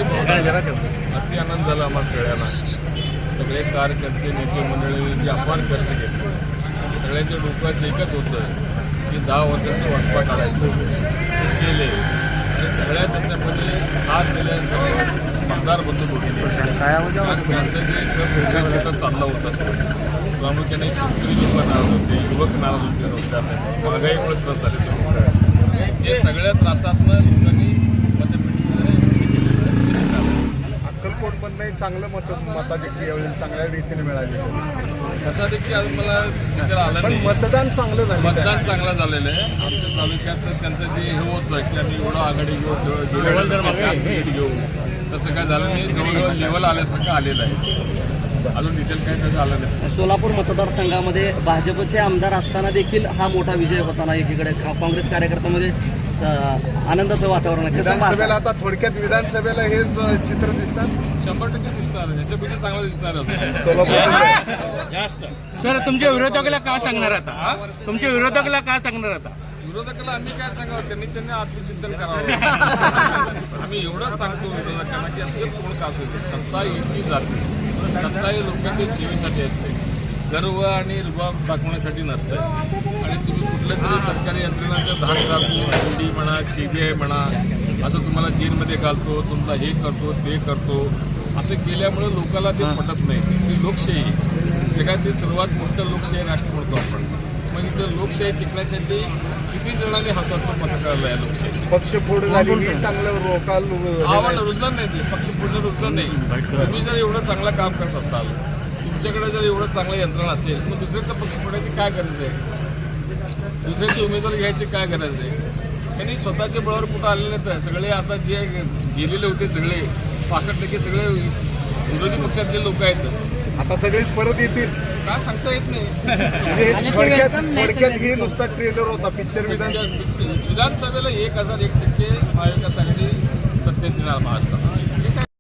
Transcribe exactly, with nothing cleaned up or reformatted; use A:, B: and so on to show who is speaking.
A: अति आनंद झाला आम्हाला सगळ्यांना. सगळे कार्यकर्ते नेते मंडळी जे अपार कष्ट घेतले, सगळ्यांच्या डोक्याचं एकच होतं की दहा वर्षाचं वाचपा काढायचं ते केले. आणि सगळ्या त्याच्यामध्ये हात दिले सगळे मतदार बंधू होते. त्यांचं जे शेतात चाललं होतं सगळं प्रामुख्याने शेतकरी लोक नाराज होते, युवक नाराज होते रोजगार महागाईमुळे त्रास झाले ते लोक. हे सगळ्या त्रासातनं लोकांनी
B: अक्कलकोटमधनंही चांगलं मत मताधिक्य यावेळी चांगल्या रीतीने मिळाले.
A: मताधिक्य अजून मला तिथे आलं
B: पण
A: नाही.
B: मतदान चांगलं झालं.
A: मतदान चांगलं झालेलं आहे. आमच्या तालुक्यात त्यांचं जे हे होतं की आम्ही एवढं आघाडी घेऊ घेऊ तसं काय झालं नाही. जवळजवळ लेवल आल्यासारखं आलेलं आहे. अजून डिटेल काय त्याचं आलं नाही.
C: सोलापूर मतदारसंघामध्ये भाजपचे आमदार असताना देखील हा मोठा विजय होताना एकीकडे काँग्रेस कार्यकर्त्यांमध्ये आनंदाचं वातावरण आहे.
B: विधानसभेला आता थोडक्यात विधानसभेला हेच चित्र दिसतात.
A: शंभर टक्के दिसणार आहे. ह्याच्यापेक्षा चांगलं दिसणार आहे
B: सोलापूर
A: जास्त.
D: सर तुमच्या विरोधकाला का सांगणार आता तुमच्या विरोधकाला का सांगणार आता
A: विरोधकाला आम्ही काय सांगावं, त्यांनी त्यांनी आत्मचिंतन करावं. आम्ही एवढंच सांगतो विरोधकांना की असं कोण का असू दे, सत्ता येती जाते. सत्ता ही लोकांच्या सेवेसाठी असते, गर्व आणि रुबाब दाखवण्यासाठी नसतं. आणि तुम्ही कुठल्या तरी सरकारी यंत्रणाचं धाक घालतो, ईडी म्हणा, सीबीआय म्हणा, असं तुम्हाला जेलमध्ये घालतो, तुमचा हे करतो ते करतो, असं केल्यामुळे लोकांना ते पटत नाही. ती लोकशाही जगातील सर्वात मोठं लोकशाही राष्ट्र म्हणतो आपण. मग इथं लोकशाही टिकण्यासाठी किती जणांनी हातातून पथकावलं आहे लोकशाही.
B: पक्षफोड झाली चांगलं रोकाल
A: आव्हान रुजलं नाही, ते पक्ष पुढे रुजलं नाही. तुम्ही जर एवढं चांगलं काम करत असाल, तुमच्याकडे जर एवढं चांगलं यंत्रणा असेल, मग दुसऱ्याचं पक्ष फोडायची काय गरज आहे? दुसऱ्याचे उमेदवार घ्यायची काय गरज आहे? त्यांनी स्वतःच्या बळावर कुठं आलेले तर सगळे आता जे गेलेले होते सगळे पासष्ट टक्के सगळे विरोधी पक्षातले लोक आहेत.
B: आता सगळेच परत येतील
A: काय सांगता येत नाही.
B: म्हणजे थोडक्यात थोडक्यात ही नुसता ट्रेलर होता पिक्चर. विधान
A: विधानसभेला एक हजार एक टक्के महाविकास आघाडी सत्तेत येणार महाराष्ट्रात.